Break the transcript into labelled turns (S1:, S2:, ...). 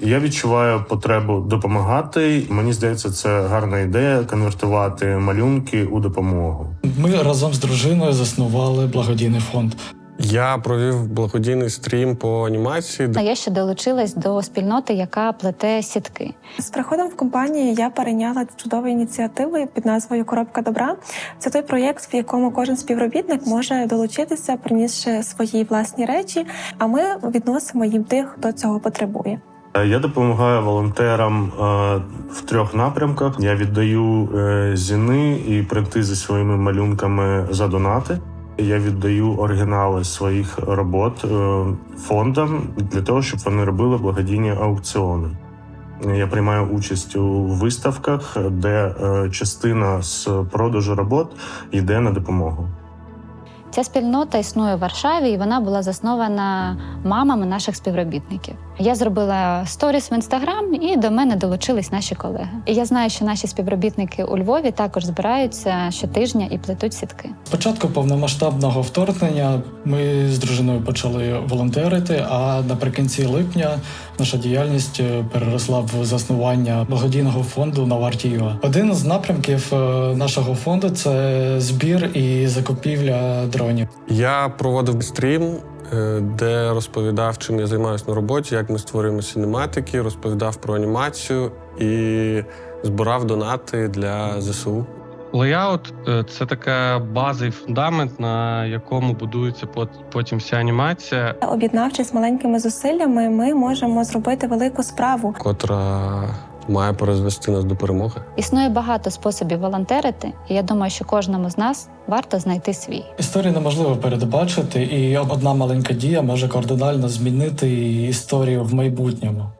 S1: Я відчуваю потребу допомагати. Мені здається, це гарна ідея – конвертувати малюнки у допомогу.
S2: Ми разом з дружиною заснували благодійний фонд.
S3: Я провів благодійний стрім по анімації.
S4: Я ще долучилась до спільноти, яка плете сітки.
S5: З приходом в компанію я перейняла чудову ініціативу під назвою «Коробка добра». Це той проєкт, в якому кожен співробітник може долучитися, принісши свої власні речі, а ми відносимо їм тих, хто цього потребує.
S1: Я допомагаю волонтерам в 3 напрямках. Я віддаю зіни і принти зі своїми малюнками за донати. Я віддаю оригінали своїх робот фондам для того, щоб вони робили благодійні аукціони. Я приймаю участь у виставках, де частина з продажу робот йде на допомогу.
S4: Ця спільнота існує в Варшаві, і вона була заснована мамами наших співробітників. Я зробила сторіс в Інстаграм, і до мене долучились наші колеги. І я знаю, що наші співробітники у Львові також збираються щотижня і плетуть сітки.
S2: Спочатку повномасштабного вторгнення ми з дружиною почали волонтерити, а наприкінці липня наша діяльність переросла в заснування благодійного фонду «Наварті.ua». Один з напрямків нашого фонду – це збір і закупівля дронів.
S3: Я проводив стрім, де розповідав, чим я займаюся на роботі, як ми створюємо синематики, розповідав про анімацію і збирав донати для ЗСУ.
S6: Лейаут – це така база і фундамент, на якому будується потім вся анімація.
S5: Об'єднавшись маленькими зусиллями, ми можемо зробити велику справу,
S3: Котра має призвести нас до перемоги.
S4: Існує багато способів волонтерити, і я думаю, що кожному з нас варто знайти свій.
S2: Історію неможливо передбачити, і одна маленька дія може кардинально змінити історію в майбутньому.